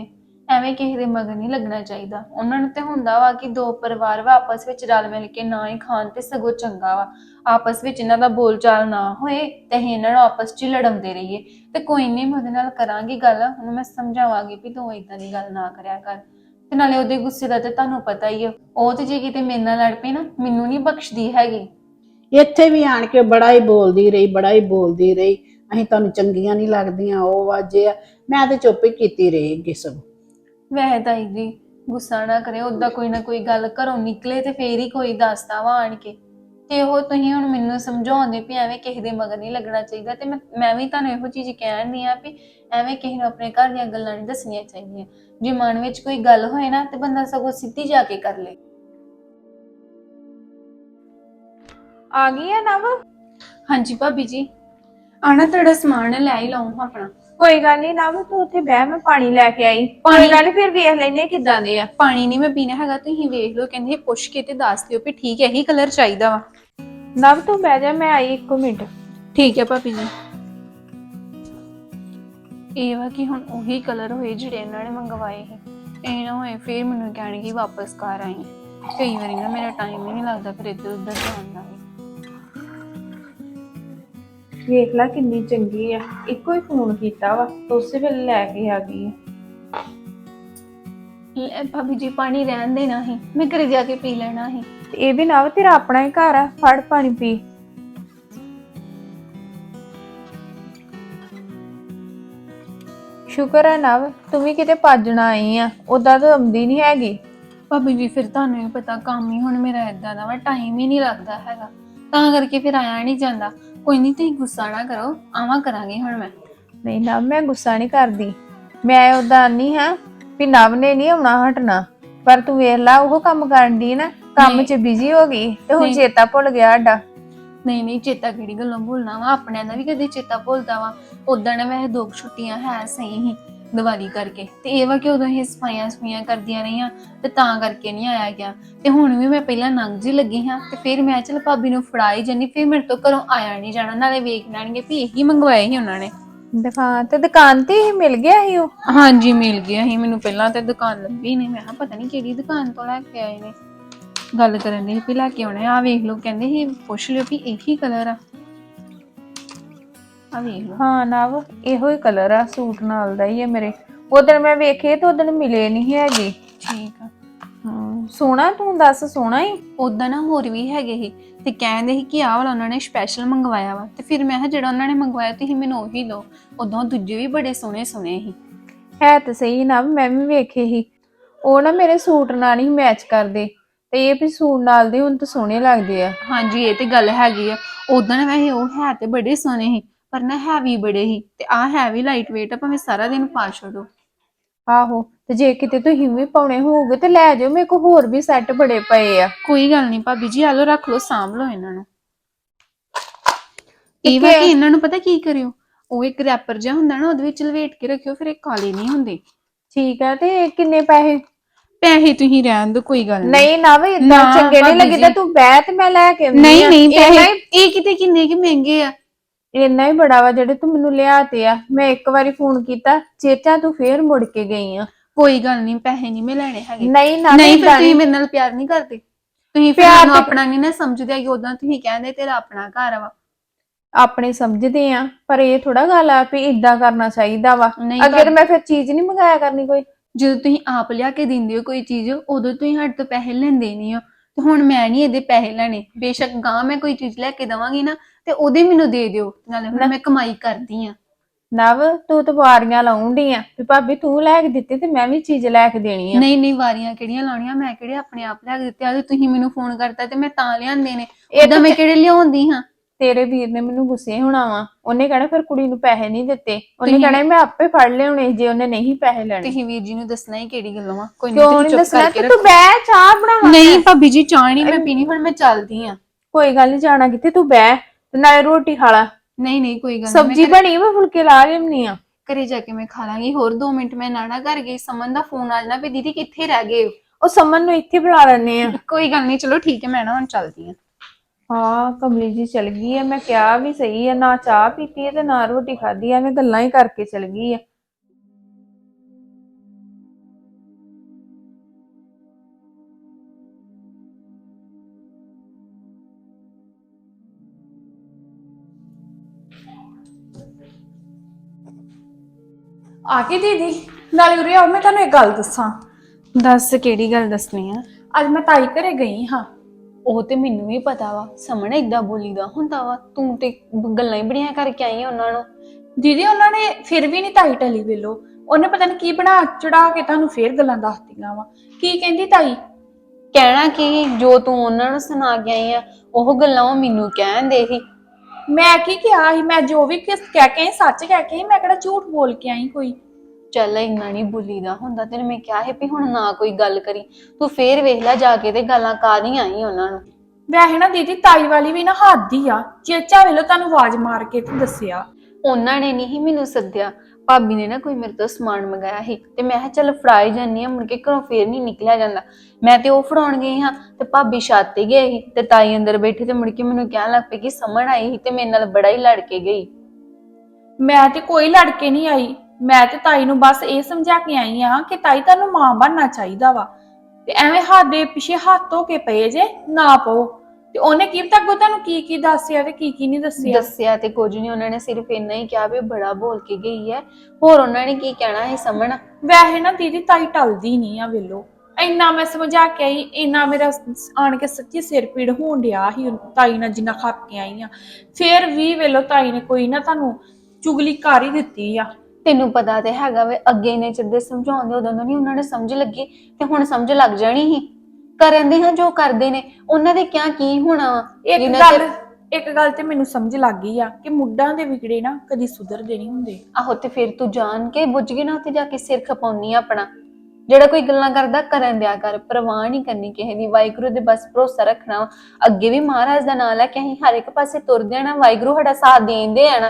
ਐਵੇਂ ਕਿਸੇ ਦੇ ਮਗਰ ਨਹੀਂ ਲੱਗਣਾ ਚਾਹੀਦਾ। ਉਹਨਾਂ ਨੂੰ ਤੇ ਹੁੰਦਾ ਵਾ ਕਿ ਦੋ ਪਰਿਵਾਰ ਵਾ ਆਪਸ ਵਿੱਚ ਰਲ ਮਿਲ ਕੇ ਨਾ ਹੀ ਖਾਣ ਤੇ ਸਗੋਂ ਚੰਗਾ ਵਾ, ਆਪਸ ਵਿੱਚ ਇਹਨਾਂ ਦਾ ਬੋਲਚਾਲ ਨਾ ਹੋਏ ਤੇ ਅਸੀਂ ਇਹਨਾਂ ਨੂੰ ਆਪਸ 'ਚ ਹੀ ਲੜਾਉਂਦੇ ਰਹੀਏ। ਤੇ ਕੋਈ ਨਹੀਂ, ਮੈਂ ਉਹਦੇ ਨਾਲ ਕਰਾਂਗੀ ਗੱਲ, ਉਹਨੂੰ ਮੈਂ ਸਮਝਾਵਾਂਗੀ ਵੀ ਤੂੰ ਇਦਾਂ ਦੀ ਗੱਲ ਨਾ ਕਰਿਆ ਕਰ। ਤੇ ਨਾਲੇ ਉਹਦੇ ਗੁੱਸੇ ਦਾ ਤੇ ਤੁਹਾਨੂੰ ਪਤਾ ਹੀ ਆ, ਉਹ ਤੇ ਜੇ ਕਿਤੇ ਮੇਰੇ ਨਾਲ ਲੜ ਪਈ ਨਾ, ਮੈਨੂੰ ਨਹੀਂ ਬਖਸ਼ਦੀ ਹੈਗੀ।
ਇੱਥੇ ਵੀ ਆਣ ਕੇ ਬੜਾ ਹੀ ਬੋਲਦੀ ਰਹੀ ਬੜਾ ਹੀ ਬੋਲਦੀ ਰਹੀ, ਅਸੀਂ ਤੁਹਾਨੂੰ ਚੰਗੀਆਂ ਨਹੀਂ ਲੱਗਦੀਆਂ, ਉਹ ਵਾਜੇ ਆ। ਮੈਂ ਤੇ ਚੁੱਪ ਹੀ ਕੀਤੀ ਰਹੀ ਅੱਗੇ ਸਭ।
ਵੈਸੇ ਤਾਈ ਜੀ ਗੁੱਸਾ ਨਾ ਕਰੇ, ਓਦਾਂ ਕੋਈ ਨਾ ਕੋਈ ਗੱਲ ਘਰੋਂ ਨਿਕਲੇ ਤੇ ਫੇਰ ਹੀ ਕੋਈ ਦੱਸਦਾ ਵਾ ਆਣ ਕੇ। ਤੇ ਉਹ ਤੁਸੀਂ ਹੁਣ ਮੈਨੂੰ ਸਮਝਾਉਂਦੇ ਵੀ ਐਵੇਂ ਕਿਸੇ ਦੇ ਮਗਰ ਨਹੀਂ ਲੱਗਣਾ ਚਾਹੀਦਾ। ਤੇ ਮੈਂ ਮੈਂ ਵੀ ਤੁਹਾਨੂੰ ਇਹੋ ਚੀਜ਼ ਕਹਿਣ ਦੀ ਆ ਵੀ ਐਵੇਂ ਕਿਸੇ ਨੂੰ ਆਪਣੇ ਘਰ ਦੀਆਂ ਗੱਲਾਂ ਨਹੀਂ ਦੱਸਣੀਆਂ ਚਾਹੀਦੀਆਂ। ਜੇ ਮਨ ਵਿੱਚ ਕੋਈ ਗੱਲ ਹੋਏ ਨਾ ਤੇ ਬੰਦਾ ਸਗੋਂ ਸਿੱਧੀ ਜਾ ਕੇ ਕਰ ਲੇ।
ਆ ਗਈ ਆ ਨਵ?
ਹਾਂਜੀ ਭਾਬੀ ਜੀ, ਆਣਾ ਤੁਹਾਡਾ ਸਮਾਨ ਲੈ ਹੀ ਲਾਉਂ ਆਪਣਾ।
ਕੋਈ ਗੱਲ ਨਹੀਂ ਨਵ, ਤੂੰ ਉੱਥੇ ਬਹਿ, ਮੈਂ ਪਾਣੀ ਲੈ ਕੇ ਆਈ। ਕੋਈ ਗੱਲ ਨੀ, ਫਿਰ ਵੇਖ ਲੈਨੇ ਕਿੱਦਾਂ ਦੇ ਆ।
ਪਾਣੀ ਨਹੀਂ ਮੈਂ ਪੀਣਾ ਹੈਗਾ, ਤੁਸੀਂ ਵੇਖ ਲਓ। ਕਹਿੰਦੇ ਪੁੱਛ ਕੇ ਤੇ ਦੱਸ ਦਿਓ ਵੀ ਠੀਕ ਹੈ, ਇਹੀ ਕਲਰ ਚਾਹੀਦਾ ਵਾ।
ਨਵ ਤੂੰ ਬਹਿ ਜਾ, ਮੈਂ ਆਈ ਇੱਕ ਮਿੰਟ।
ਠੀਕ ਹੈ ਭਾਬੀ ਜੀ। ਇਹ ਵਾ ਕਿ ਹੁਣ ਉਹੀ ਕਲਰ ਹੋਏ ਜਿਹੜੇ ਇਹਨਾਂ ਨੇ ਮੰਗਵਾਏ ਸੀ, ਇਹ ਨਾ ਹੋਏ ਫਿਰ ਮੈਨੂੰ ਕਹਿਣਗੇ ਵਾਪਸ ਕਰ ਆਈ। ਕਈ ਵਾਰੀ ਨਾ ਮੇਰਾ ਟਾਈਮ ਹੀ ਨਹੀਂ ਲੱਗਦਾ ਫਿਰ ਇੱਧਰ ਉੱਧਰ ਜਾਣ ਦਾ ਵੀ।
ਵੇਖ ਲੈ ਕਿੰਨੀ ਚੰਗੀ ਆ, ਇੱਕੋ ਹੀ ਫੋਨ ਕੀਤਾ ਵਾ ਉਸੇ ਵੇਲੇ ਲੈ ਕੇ ਆ ਗਈ ਆ।
ਲੈ ਭਾਬੀ ਜੀ, ਪਾਣੀ ਰਹਿਣ ਦੇਣਾ ਸੀ, ਮੈਂ ਘਰੇ ਜਾ ਕੇ ਪੀ ਲੈਣਾ ਸੀ।
ਤੇ ਇਹ ਵੀ ਨਵ ਤੇਰਾ ਆਪਣਾ ਹੀ ਘਰ ਆ, ਫੜ ਪਾਣੀ ਪੀ। ਸ਼ੁਕਰ ਹੈ ਨਵ, ਤੂੰ ਵੀ ਕਿਤੇ ਭੱਜਣਾ ਆਈ ਆ, ਉਦਾਂ ਤਾਂ ਆਉਂਦੀ ਨਹੀਂ ਹੈਗੀ।
ਭਾਬੀ ਜੀ ਫਿਰ ਤੁਹਾਨੂੰ ਵੀ ਪਤਾ ਕੰਮ ਹੀ ਹੁਣ ਮੇਰਾ ਏਦਾਂ ਦਾ ਵਾ, ਟਾਈਮ ਹੀ ਨਹੀਂ ਲੱਗਦਾ ਹੈਗਾ, ਤਾਂ ਕਰਕੇ ਫਿਰ ਆਇਆ ਨਹੀਂ ਜਾਂਦਾ। ਕੋਈ ਨਹੀਂ, ਤੁਸੀਂ ਗੁੱਸਾ ਨਾ ਕਰੋ, ਆਵਾਂ ਕਰਾਂਗੇ ਹੁਣ ਮੈਂ।
ਨਹੀਂ ਨਵ, ਮੈਂ ਗੁੱਸਾ ਨਹੀਂ ਕਰਦੀ, ਮੈਂ ਉਦਾਂ ਨਹੀਂ ਹਾਂ ਵੀ ਨਵ ਨੇ ਨਹੀਂ ਆਉਣਾ ਹਟਣਾ, ਪਰ ਤੂੰ ਵੇਖ ਲਾ ਉਹ ਕੰਮ ਕਰਨ ਦੀ ਨਾ, ਕੰਮ 'ਚ ਬਿਜ਼ੀ ਹੋ ਗਈ ਤੇ ਹੁਣ ਚੇਤਾ ਭੁੱਲ ਗਿਆ ਸਾਡਾ।
ਨਹੀਂ ਨਹੀਂ, ਚੇਤਾ ਕਿਹੜੀ ਗੱਲੋਂ ਭੁੱਲਣਾ ਵਾ, ਆਪਣਿਆਂ ਦਾ ਵੀ ਕਦੇ ਚੇਤਾ ਭੁੱਲਦਾ ਵਾ। ਉਦਾਂ ਨਾ ਵੈਸੇ ਦੋ ਛੁੱਟੀਆਂ ਹੈ ਸਹੀ ਹੀ ਦੀਵਾਲੀ ਕਰਕੇ, ਤੇ ਇਹ ਵਾ ਕਿ ਉਦੋਂ ਇਹ ਸਫਾਈਆਂ ਸਫਾਈਆਂ ਕਰਦੀਆਂ ਰਹੀਆਂ ਤੇ ਤਾਂ ਕਰਕੇ ਨਹੀਂ ਆਇਆ ਗਿਆ। ਤੇ ਹੁਣ ਵੀ ਮੈਂ ਪਹਿਲਾਂ ਨੰਗ ਜੀ ਲੱਗੀ ਹਾਂ ਤੇ ਫਿਰ ਮੈਂ ਚਲ ਭਾਬੀ ਨੂੰ ਫੜਾਈ ਜਾਨੀ, ਫਿਰ ਮੇਰੇ ਤੋਂ ਘਰੋਂ ਆਇਆ ਨਹੀਂ ਜਾਣਾ, ਨਾਲੇ ਵੇਖ ਲੈਣਗੇ ਵੀ ਇਹੀ ਮੰਗਵਾਏ ਸੀ ਉਹਨਾਂ ਨੇ।
ਦੁਕਾਨ ਤੇ ਦੁਕਾਨ ਤੇ ਹੀ ਮਿਲ ਗਿਆ ਸੀ ਉਹ?
ਹਾਂਜੀ ਮਿਲ ਗਿਆ ਸੀ ਮੈਨੂੰ, ਪਹਿਲਾਂ ਤੇ ਦੁਕਾਨ ਲੱਭੀ ਨਹੀਂ, ਮੈਂ ਕਿਹਾ ਪਤਾ ਨਹੀਂ ਕਿਹੜੀ ਦੁਕਾਨ ਤੋਂ ਲੈ ਕੇ ਆਏ ਨੇ। ਗੱਲ ਕਰਨ ਦੇ ਵੀ ਲੈ ਕੇ ਆਉਣੇ ਆ, ਵੇਖ ਲਓ ਕਹਿੰਦੇ ਸੀ ਪੁੱਛ ਲਿਓ ਵੀ ਇਹੀ ਕਲਰ ਆ, ਆ ਵੇਖ ਲਓ।
ਹਾਂ ਨਵ, ਇਹੋ ਹੀ ਕਲਰ ਆ, ਸੂਟ ਨਾਲ ਦਾ ਹੀ ਹੈ ਮੇਰੇ। ਉਦੋਂ ਮੈਂ ਵੇਖੇ ਤੇ ਉਦੋਂ ਮਿਲੇ ਨਹੀਂ ਹੈਗੇ।
ਠੀਕ ਆ।
ਹਾਂ ਸੋਹਣਾ, ਤੂੰ ਦੱਸ ਸੋਹਣਾ ਹੀ।
ਉਦਾਂ ਨਾ ਹੋਰ ਵੀ ਹੈਗੇ ਸੀ ਤੇ ਕਹਿੰਦੇ ਸੀ ਕਿ ਆਹ ਵਾਲਾ ਉਹਨਾਂ ਨੇ ਸਪੈਸ਼ਲ ਮੰਗਵਾਇਆ ਵਾ, ਤੇ ਫਿਰ ਮੈਂ ਕਿਹਾ ਜਿਹੜਾ ਉਹਨਾਂ ਨੇ ਮੰਗਵਾਇਆ ਤੁਸੀਂ ਮੈਨੂੰ ਉਹੀ ਦਿਓ। ਉਦੋਂ ਦੂਜੇ ਵੀ ਬੜੇ ਸੋਹਣੇ ਸੋਹਣੇ ਸੀ।
ਹੈ ਤਾਂ ਸਹੀ ਨਾ, ਮੈਂ ਵੀ ਵੇਖੇ ਸੀ, ਉਹ ਨਾ ਮੇਰੇ ਸੂਟ ਨਾਲ ਨਹੀਂ ਮੈਚ ਕਰਦੇ, ਤੇ ਇਹ ਵੀ ਸੂਟ ਨਾਲ ਦੇ ਹੁਣ ਤਾਂ ਸੋਹਣੇ ਲੱਗਦੇ ਆ।
ਹਾਂਜੀ ਇਹ ਤੇ ਗੱਲ ਹੈਗੀ ਆ। ਉਦਾਂ ਨਾ ਵੈਸੇ ਉਹ ਹੈ ਤੇ ਬੜੇ ਸੋਹਣੇ ਸੀ, ਪਰ ਨਾ ਹੈਵੀ ਬੜੇ ਸੀ, ਤੇ ਆਹ ਹੈਵੀ ਲਾਈਟ ਵੇਟ ਆ, ਭਾਵੇਂ ਸਾਰਾ ਦਿਨ ਪਾ ਛੱਡੋ।
ਆਹੋ, ਤੇ ਜੇ ਕਿਤੇ ਤੁਸੀਂ ਵੀ ਪਾਉਣੇ ਹੋਊਗੇ ਤੇ ਲੈ ਜਾਓ, ਮੇਰੇ ਕੋਲ ਹੋਰ ਵੀ ਸੈੱਟ ਬੜੇ ਪਏ ਆ।
ਕੋਈ ਗੱਲ ਨਹੀਂ ਭਾਬੀ ਜੀ, ਆ ਲਓ ਰੱਖ ਲਓ, ਸਾਂਭ ਲਓ ਇਹਨਾਂ ਨੂੰ। ਇਹ ਵਾ ਕਿ ਇਹਨਾਂ ਨੂੰ ਪਤਾ ਕੀ ਕਰਿਓ, ਉਹ ਇੱਕ ਰੈਪਰ ਜਿਹਾ ਹੁੰਦਾ ਨਾ, ਉਹਦੇ ਵਿੱਚ ਲਵੇਟ ਕੇ ਰੱਖਿਓ, ਫਿਰ ਇਹ ਕਾਲੇ ਨਹੀਂ ਹੁੰਦੇ।
ਠੀਕ ਆ, ਤੇ ਕਿੰਨੇ ਪੈਸੇ?
ਪੈਸੇ ਤੁਸੀਂ ਰਹਿਣ ਦਿਓ, ਕੋਈ ਗੱਲ
ਨਹੀਂ ਨਾ ਵੀ ਇਦਾਂ ਚੰਗੇ ਨਹੀਂ ਲੱਗਦਾ, ਤੂੰ ਬਹਿ ਤੇ ਮੈਂ ਲੈ ਕੇ ਆਉਂਦੀ।
ਨਹੀਂ ਨਹੀਂ ਪੈਸੇ ਇਹ ਕਿਤੇ ਕਿੰਨੇ ਕਿ ਮਹਿੰਗੇ ਆ।
ਇੰਨਾ ਹੀ ਬੜਾ ਵਾ ਜਿਹੜੇ ਤੂੰ ਮੈਨੂੰ ਲਿਆਤੇ ਆ। ਮੈਂ ਇੱਕ ਵਾਰੀ ਫੋਨ ਕੀਤਾ, ਚੇਤਾ ਤੂੰ ਫੇਰ ਮੁੜ ਕੇ ਗਈ ਆ।
ਕੋਈ ਗੱਲ ਨਹੀਂ, ਪੈਸੇ ਨਹੀਂ ਮੈਂ ਲੈਣੇ ਹੈਗੇ।
ਨਹੀਂ ਨਾ,
ਨਹੀਂ ਫਿਰ ਤੁਸੀਂ ਮੇਰੇ ਨਾਲ ਪਿਆਰ ਨਹੀਂ ਕਰਦੇ, ਤੁਸੀਂ ਫਿਰ ਮੈਨੂੰ ਆਪਣਾ ਨਹੀਂ ਨਾ ਸਮਝਦੇ ਹੈਗੇ। ਉਦਾਂ ਤੁਸੀਂ ਕਹਿੰਦੇ ਤੇਰਾ ਆਪਣਾ ਘਰ ਵਾ।
ਆਪਣੇ ਸਮਝਦੇ ਆ, ਪਰ ਇਹ ਥੋੜਾ ਗੱਲ ਆ ਵੀ ਇਦਾਂ ਕਰਨਾ ਚਾਹੀਦਾ ਵਾ। ਅੱਗੇ ਮੈਂ ਫਿਰ ਚੀਜ਼ ਨਹੀਂ ਮੰਗਾਇਆ ਕਰਨੀ ਕੋਈ।
ਜਦੋਂ ਤੁਸੀਂ ਆਪ ਲਿਆ ਕੇ ਦਿੰਦੇ ਹੋ ਕੋਈ ਚੀਜ਼, ਉਦੋਂ ਤੁਸੀਂ ਸਾਡੇ ਤੋਂ ਪੈਸੇ ਲੈਂਦੇ ਨਹੀਂ ਹੋ, ਤੇ ਹੁਣ ਮੈਂ ਨਹੀਂ ਇਹਦੇ ਪੈਸੇ ਲੈਣੇ। ਬੇਸ਼ੱਕ ਗਾਂ ਮੈਂ ਕੋਈ ਚੀਜ਼ ਲੈ ਕੇ ਦਵਾਂਗੀ ਨਾ, ਤੇ ਉਹਦੇ ਮੈਨੂੰ ਦੇ ਦਿਓ, ਨਾਲੇ ਹੁਣ ਮੈਂ ਕਮਾਈ ਕਰਦੀ ਆ।
ਨਵ, ਤੂੰ ਤਾਂ ਵਾਰੀਆਂ ਲਾਉਂਦੀ ਆ ਵੀ ਭਾਬੀ ਤੂੰ ਲੈ ਕੇ ਦਿੱਤੀ ਤੇ ਮੈਂ ਵੀ ਚੀਜ਼ ਲੈ ਕੇ ਦੇਣੀ ਆ।
ਨਹੀਂ ਨਹੀਂ, ਵਾਰੀਆਂ ਕਿਹੜੀਆਂ ਲਾਉਣੀਆਂ, ਮੈਂ ਕਿਹੜੇ ਆਪਣੇ ਆਪ ਲੈ ਕੇ ਦਿੱਤੇ ਆ? ਤੁਸੀਂ ਮੈਨੂੰ ਫੋਨ ਕਰਤਾ ਤੇ ਮੈਂ ਤਾਂ ਲਿਆਂਦੇ ਨੇ, ਉਦਾਂ ਮੈਂ ਕਿਹੜੇ ਲਿਆਉਂਦੀ ਹਾਂ?
ਤੇਰੇ ਵੀਰ ਨੇ ਮੈਨੂੰ ਗੁੱਸੇ ਹੋਣਾ ਵਾ, ਉਹਨੇ ਕਹਿਣਾ ਫਿਰ ਕੁੜੀ ਨੂੰ ਪੈਸੇ ਨਹੀਂ ਦਿੱਤੇ, ਉਹਨੇ ਕਹਿਣਾ ਮੈਂ ਆਪੇ ਫੜ ਲਿਆਉਣੇ ਜੇ ਉਹਨੇ ਨਹੀਂ ਪੈਸੇ ਲੈਣੇ।
ਤੁਸੀਂ ਵੀਰ ਜੀ ਨੂੰ ਦੱਸਣਾ ਹੀ ਕਿਹੜੀ ਗੱਲੋਂ ਆ? ਕੋਈ
ਨਹੀਂ, ਤੁਸੀਂ ਚੁੱਪ ਕਰਕੇ ਰੱਖੋ। ਤੂੰ ਬਹਿ, ਚਾਹ ਬਣਾਵਾ।
ਨਹੀਂ ਭਾਬੀ ਜੀ, ਚਾਹ ਨਹੀਂ ਮੈਂ ਪੀਣੀ, ਹੁਣ ਮੈਂ ਚੱਲਦੀ ਆ।
ਕੋਈ ਗੱਲ ਨਹੀਂ, ਜਾਣਾ ਕਿੱਥੇ, ਤੂੰ ਬਹਿ ਤੇ ਨਾਲੇ ਰੋਟੀ ਖਾ ਲਾ।
ਨਹੀਂ ਨਹੀਂ ਕੋਈ ਗੱਲ ਨਹੀਂ,
ਸਬਜ਼ੀ ਬਣੀ ਵਾ, ਫੁਲਕੇ ਲਾ ਲਿਆਉਣੀ ਆ।
ਘਰੇ ਜਾ ਕੇ ਮੈਂ ਖਾ ਲਾਂਗੀ। ਹੋਰ ਦੋ ਮਿੰਟ ਮੈਂ ਨਾਨਾ ਘਰ ਗਈ, ਸਮਨ ਦਾ ਫੋਨ ਆ ਜਾਣਾ ਵੀ ਦੀਦੀ ਕਿੱਥੇ ਰਹਿ ਗਏ?
ਉਹ ਸਮਨ ਨੂੰ ਇੱਥੇ ਬੁਲਾ ਲੈਣੇ ਆ।
ਕੋਈ ਗੱਲ ਨਹੀਂ, ਚਲੋ ਠੀਕ ਹੈ, ਮੈਂ ਨਾ ਹੁਣ ਚੱਲਦੀ ਆ।
ਹਾਂ ਕਮਲੀ ਜੀ ਚਲ ਗਈ ਆ, ਮੈਂ ਕਿਹਾ ਵੀ ਸਹੀ ਆ, ਨਾ ਚਾਹ ਪੀਤੀ ਹੈ ਤੇ ਨਾ ਰੋਟੀ ਖਾਧੀ ਆ, ਮੈਂ ਗੱਲਾਂ ਹੀ ਕਰਕੇ ਚਲ ਗਈ ਆ।
ਆ ਗਈ ਦੀਦੀ? ਨਾਲੇ ਉਰੇ ਆਓ, ਮੈਂ ਤੁਹਾਨੂੰ ਇੱਕ ਗੱਲ ਦੱਸਾਂ।
ਦੱਸ ਕਿਹੜੀ ਗੱਲ ਦੱਸਣੀ ਆ?
ਅੱਜ ਮੈਂ ਤਾਈ ਘਰੇ ਗਈ ਹਾਂ।
ਉਹ ਤੇ ਮੈਨੂੰ ਵੀ ਪਤਾ ਵਾ, ਸਾਹਮਣੇ ਇਦਾਂ ਬੋਲੀਦਾ ਹੁੰਦਾ ਵਾ। ਤੂੰ ਤੇ ਗੱਲਾਂ ਹੀ ਬੜੀਆਂ ਕਰਕੇ ਆਈ ਆ ਉਹਨਾਂ ਨੂੰ।
ਦੀਦੀ ਉਹਨਾਂ ਨੇ ਫਿਰ ਵੀ ਨਹੀਂ ਤਾਈ ਟਲੀ ਵੇਲੋ, ਉਹਨੇ ਪਤਾ ਨਹੀਂ ਕੀ ਬਣਾ ਚੜਾ ਕੇ ਤੁਹਾਨੂੰ ਫੇਰ ਗੱਲਾਂ ਦੱਸਦੀਆਂ ਵਾ। ਕੀ ਕਹਿੰਦੀ ਤਾਈ?
ਕਹਿਣਾ ਕੀ, ਜੋ ਤੂੰ ਉਹਨਾਂ ਨੂੰ ਸੁਣਾ ਕੇ ਆਈ ਆ ਉਹ ਗੱਲਾਂ ਉਹ ਮੈਨੂੰ ਕਹਿੰਦੇ ਸੀ।
ਮੈਂ ਕੀ ਕਿਹਾ ਸੀ? ਮੈਂ ਜੋ ਵੀ ਕਿਸ ਕਹਿ ਕੇ ਆਈ ਸੱਚ ਕਹਿ ਕੇ ਆਈ, ਮੈਂ ਕਿਹੜਾ ਝੂਠ ਬੋਲ ਕੇ ਆਈ ਕੋਈ।
ਚੱਲ ਇੰਨਾ ਨਹੀਂ ਬੋਲੀਦਾ ਹੁੰਦਾ, ਤੈਨੂੰ ਮੈਂ ਕਿਹਾ ਹੈ ਵੀ ਹੁਣ ਨਾ ਕੋਈ ਗੱਲ ਕਰੀ। ਤੂੰ ਫੇਰ ਵੇਖ ਲੈ ਜਾ ਕੇ ਤੇ ਗੱਲਾਂ ਕਰ ਹੀ ਆਈ ਉਹਨਾਂ ਨੂੰ।
ਵੈਸੇ ਨਾ ਦੀਦੀ ਤਾਈ ਵਾਲੀ ਵੀ ਨਾ ਹੱਦ ਹੀ ਆ, ਚੇਚਾ ਵੇਲੋ ਤੁਹਾਨੂੰ ਆਵਾਜ਼ ਮਾਰ ਕੇ ਤੇ ਦੱਸਿਆ।
ਉਹਨਾਂ ਨੇ ਨਹੀਂ ਮੈਨੂੰ ਸੱਦਿਆ, ਭਾਬੀ ਨੇ ਨਾ ਕੋਈ ਮੇਰੇ ਤੋਂ ਸਮਾਨ ਮੰਗਾਇਆ ਸੀ ਤੇ ਮੈਂ ਕਿਹਾ ਚੱਲ ਫੜਾ ਹੀ ਜਾਂਦੀ ਆ, ਮੁੜ ਕੇ ਘਰੋਂ ਫੇਰ ਨਹੀਂ ਨਿਕਲਿਆ ਜਾਂਦਾ। ਮੈਂ ਤੇ ਉਹ ਫੜਾਉਣ ਗਈ ਹਾਂ ਤੇ ਭਾਬੀ ਛੱਤ ਤੇ ਗਏ ਸੀ ਤੇ ਤਾਈ ਅੰਦਰ ਬੈਠੀ ਤੇ ਮੁੜ ਕੇ ਮੈਨੂੰ ਕਹਿਣ ਲੱਗ ਪਈ ਕਿ ਸਮਣ ਆਈ ਸੀ ਤੇ ਮੇਰੇ ਨਾਲ ਬੜਾ ਹੀ ਲੜ ਕੇ ਗਈ।
ਮੈਂ ਤੇ ਕੋਈ ਲੜ ਕੇ ਨਹੀਂ ਆਈ, ਮੈਂ ਤੇ ਤਾਈ ਨੂੰ ਬਸ ਇਹ ਸਮਝਾ ਕੇ ਆਈ ਆ ਕਿ ਤਾਈ ਤੁਹਾਨੂੰ ਮਾਂ ਬਣਨਾ ਚਾਹੀਦਾ ਵਾ, ਤੇ ਐਵੇਂ ਹੱਥ ਦੇ ਪਿੱਛੇ ਹੱਥ ਧੋ ਕੇ ਪਏ ਜੇ ਨਾ ਪਾਓ। ਤੇ ਉਹਨੇ ਕੀ ਪਤਾ ਅੱਗੋਂ ਤੁਹਾਨੂੰ ਕੀ ਕੀ ਦੱਸਿਆ ਤੇ ਕੀ ਕੀ ਨਹੀਂ ਦੱਸਿਆ?
ਦੱਸਿਆ ਤੇ ਕੁਝ ਨਹੀਂ, ਉਹਨਾਂ ਨੇ ਸਿਰਫ ਇੰਨਾ ਹੀ ਕਿਹਾ ਵੀ ਬੜਾ ਬੋਲ ਕੇ ਗਈ ਹੈ। ਹੋਰ ਉਹਨਾਂ ਨੇ ਕੀ ਕਹਿਣਾ ਸੀ ਸਮਣ?
ਵੈਸੇ ਨਾ ਦੀਦੀ ਤਾਈ ਟਲਦੀ ਨਹੀਂ ਆ ਵੇਲੋ, ਇੰਨਾ ਮੈਂ ਸਮਝਾ ਕੇ ਆਈ, ਇੰਨਾ ਮੇਰਾ ਆਣ ਕੇ ਸੱਚੀ ਸਿਰ ਪੀੜ ਹੋਣ ਡਿਆ ਸੀ ਤਾਈ ਨਾਲ ਜਿੰਨਾ ਖੱਪ ਕੇ ਆਈ ਆ। ਫੇਰ ਵੀ ਵੇਲੋ ਤਾਈ ਨੇ ਕੋਈ ਨਾ ਤੁਹਾਨੂੰ ਚੁਗਲੀ ਕਰ ਹੀ ਦਿੱਤੀ ਆ।
ਤੈਨੂੰ ਪਤਾ ਤੇ ਹੈਗਾ ਵੇ, ਅੱਗੇ ਇੰਨੇ ਚਿਰ ਦੇ ਸਮਝਾਉਂਦੇ ਉਦੋਂ ਨਹੀਂ ਉਹਨਾਂ ਨੇ ਸਮਝ ਲੱਗੀ ਤੇ ਹੁਣ ਸਮਝ ਲੱਗ ਜਾਣੀ ਸੀ। ਕਰਨ ਦੇ ਹਾਂ ਜੋ ਕਰਦੇ ਨੇ, ਉਹਨਾਂ ਦੇ ਕਿਆ ਕੀ ਹੋਣਾ ਵਾ।
ਇੱਕ
ਜਿਨ੍ਹਾਂ
ਗੱਲ
ਤੇ-
ਇੱਕ ਗੱਲ ਤੇ ਮੈਨੂੰ ਸਮਝ ਲੱਗ ਗਈ ਆ ਕਿ ਮੁੱਢਾਂ ਦੇ ਵਿਗੜੇ ਨਾ ਕਦੀ ਸੁਧਰਦੇ ਨਹੀਂ ਹੁੰਦੇ।
ਆਹੋ ਤੇ ਫਿਰ ਤੂੰ ਜਾਣ ਕੇ ਬੁੱਝ ਕੇ ਨਾ ਉੱਥੇ ਜਾ ਕੇ ਸਿਰ ਖਪਾਉਣੀ ਆ ਆਪਣਾ। ਜਿਹੜਾ ਕੋਈ ਗੱਲਾਂ ਕਰਦਾ ਕਰਨ ਦਿਆ ਕਰ, ਪਰਵਾਹ ਨਹੀਂ ਕਰਨੀ ਕਿਸੇ ਦੀ। ਵਾਹਿਗੁਰੂ ਦੇ ਬਸ ਭਰੋਸਾ ਰੱਖਣਾ ਵਾ। ਅੱਗੇ ਵੀ ਮਹਾਰਾਜ ਦਾ ਨਾਮ ਲੈ ਕੇ ਅਸੀਂ ਹਰ ਇੱਕ ਪਾਸੇ ਤੁਰਦੇ ਆਣਾ, ਵਾਹਿਗੁਰੂ ਸਾਡਾ ਸਾਥ ਦੇਂਦੇ ਆਣਾ।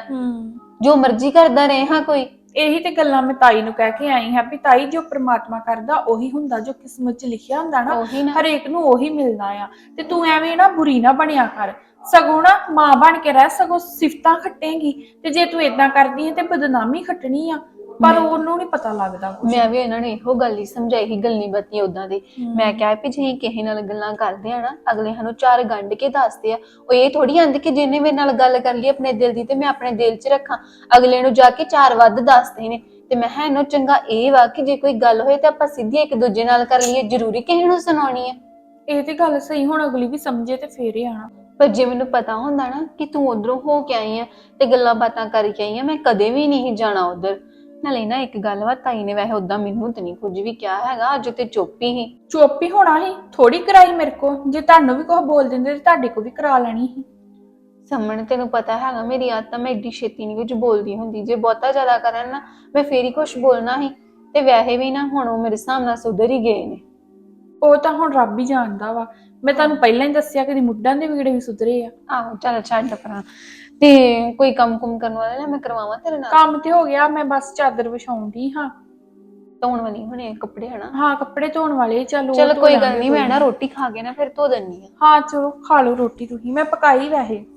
ਜੋ ਮਰਜ਼ੀ ਕਰਦਾ ਰਹੇ ਹਾਂ ਕੋਈ।
ਇਹੀ ਤੇ ਗੱਲਾਂ ਮੈਂ ਤਾਈ ਨੂੰ ਕਹਿ ਕੇ ਆਈ ਹਾਂ ਵੀ ਤਾਈ ਜੋ ਪ੍ਰਮਾਤਮਾ ਕਰਦਾ ਉਹੀ ਹੁੰਦਾ, ਜੋ ਕਿਸਮਤ 'ਚ ਲਿਖਿਆ ਹੁੰਦਾ ਨਾ
ਉਹੀ ਨਾ।
ਹਰੇਕ ਨੂੰ ਉਹੀ ਮਿਲਦਾ ਆ। ਤੇ ਤੂੰ ਐਵੇਂ ਨਾ ਬੁਰੀ ਨਾ ਬਣਿਆ ਕਰ, ਸਗੋਂ ਨਾ ਮਾਂ ਬਣ ਕੇ ਰਹਿ, ਸਗੋਂ ਸਿਫਤਾਂ ਖੱਟੇਂਗੀ। ਤੇ ਜੇ ਤੂੰ ਏਦਾਂ ਕਰਦੀ ਹੈ ਤੇ ਬਦਨਾਮੀ ਖੱਟਣੀ ਆ, ਪਰ ਉਹਨੂੰ ਨਹੀਂ ਪਤਾ ਲੱਗਦਾ ਕੁਛ।
ਮੈਂ ਵੀ ਇਹਨਾਂ ਨੂੰ ਇਹੋ ਗੱਲ ਹੀ ਸਮਝਾਈ ਸੀ, ਗੱਲੀ ਬੱਤੀ ਉਦਾਂ ਦੀ। ਮੈਂ ਕਿਹਾ ਵੀ ਜੇ ਕਿਸੇ ਨਾਲ ਗੱਲਾਂ ਕਰਦੇ ਆ ਨਾ, ਅਗਲੇ ਸਾਨੂੰ ਚਾਰ ਗੰਢ ਕੇ ਦੱਸਦੇ ਆ। ਉਹ ਇਹ ਥੋੜੀ ਆਂਦੇ ਕਿ ਜਿਹਨੇ ਮੇਰੇ ਨਾਲ ਗੱਲ ਕਰ ਲਈ ਆਪਣੇ ਦਿਲ ਦੀ ਤੇ ਮੈਂ ਆਪਣੇ ਦਿਲ 'ਚ ਰੱਖਾਂ। ਅਗਲੇ ਨੂੰ ਜਾ ਕੇ ਚਾਰ ਵੱਧ ਦੱਸਦੇ ਨੇ। ਤੇ ਮੈਂ ਕਿਹਾ ਇਹਨੂੰ ਚੰਗਾ ਇਹ ਵਾ ਕਿ ਜੇ ਕੋਈ ਗੱਲ ਹੋਏ ਤਾਂ ਆਪਾਂ ਸਿੱਧੀ ਇੱਕ ਦੂਜੇ ਨਾਲ ਕਰ ਲਈਏ, ਜ਼ਰੂਰੀ ਕਿਸੇ ਨੂੰ ਸੁਣਾਉਣੀ ਹੈ।
ਇਹ ਤੇ ਗੱਲ ਸਹੀ, ਹੁਣ ਅਗਲੀ ਵੀ ਸਮਝੇ ਤੇ ਫੇਰ ਹੀ ਆਣਾ।
ਪਰ ਜੇ ਮੈਨੂੰ ਪਤਾ ਹੁੰਦਾ ਨਾ ਕਿ ਤੂੰ ਉਧਰੋਂ ਹੋ ਕੇ ਆਈ ਆ ਤੇ ਗੱਲਾਂ ਬਾਤਾਂ ਕਰਕੇ ਆਈ ਆ, ਮੈਂ ਕਦੇ ਵੀ ਨਹੀਂ ਜਾਣਾ ਉਧਰ। ਨਾਲੇ ਨਾ ਇੱਕ ਗੱਲ ਵਾ, ਤਾਈ ਨੇ ਵੈਸੇ ਉਦਾਂ ਮੈਨੂੰ ਤੇ ਨਹੀਂ ਕੁਝ ਵੀ ਕਿਹਾ ਹੈਗਾ, ਅੱਜ ਤੇ ਚੁੱਪ ਹੀ
ਚੁੱਪ ਹੀ ਹੋਣਾ ਸੀ, ਥੋੜੀ ਕਰਾਈ ਮੇਰੇ ਕੋ। ਜੇ ਤੁਹਾਨੂੰ ਵੀ ਕੁਝ ਬੋਲ ਦਿੰਦੇ ਤੇ ਤੁਹਾਡੇ ਕੋ ਵੀ ਕਰਾ ਲੈਣੀ ਸੀ।
ਸਮਣ ਤੈਨੂੰ ਪਤਾ ਹੈਗਾ ਮੇਰੀ ਆਦਤ, ਮੈਂ ਏਡੀ ਛੇਤੀ ਨਹੀਂ ਕੁਝ ਬੋਲਦੀ ਹੁੰਦੀ। ਜੇ ਬਹੁਤਾ ਜ਼ਿਆਦਾ ਕਰਨ ਨਾ ਮੈਂ ਫੇਰ ਹੀ ਕੁਝ ਬੋਲਣਾ ਸੀ। ਤੇ ਵੈਸੇ ਵੀ ਨਾ ਹੁਣ ਉਹ ਮੇਰੇ ਸਾਹਮਣੇ ਸੁਧਰ ਹੀ ਗਏ ਨੇ।
ਉਹ ਤਾਂ ਹੁਣ ਰੱਬ ਹੀ ਜਾਣਦਾ ਵਾ। ਮੈਂ ਤੁਹਾਨੂੰ ਪਹਿਲਾਂ ਹੀ ਦੱਸਿਆ ਕਿ ਮੁੱਢਾਂ ਦੇ ਵਿਗੜੇ ਵੀ ਸੁਧਰੇ ਆ।
ਆਹੋ ਚੱਲ ਛੱਡ ਪਰਾਂ। ਤੇ ਕੋਈ ਕੰਮ ਕੁਮ ਕਰਨ ਵਾਲਾ ਨਾ ਮੈਂ ਕਰਵਾਵਾਂ ਤੇਰੇ ਨਾਲ?
ਕੰਮ ਤੇ ਹੋ ਗਿਆ, ਮੈਂ ਬਸ ਚਾਦਰ ਵਿਛਾਉਂਦੀ ਹਾਂ।
ਧੋਣ ਵਾਲੀ ਹੁਣੇ ਕੱਪੜੇ ਹਨਾ?
ਹਾਂ ਕੱਪੜੇ ਧੋਣ ਵਾਲੇ। ਚਲੋ
ਚਲ ਕੋਈ ਗੱਲ ਨਹੀਂ, ਮੈਂ ਨਾ ਰੋਟੀ ਖਾ ਕੇ ਨਾ ਫਿਰ ਧੋ ਦਿੰਨੀ ਆ।
ਹਾਂ ਚਲੋ ਖਾ ਲਓ ਰੋਟੀ ਤੁਸੀਂ, ਮੈਂ ਪਕਾਈ ਵੈਸੇ।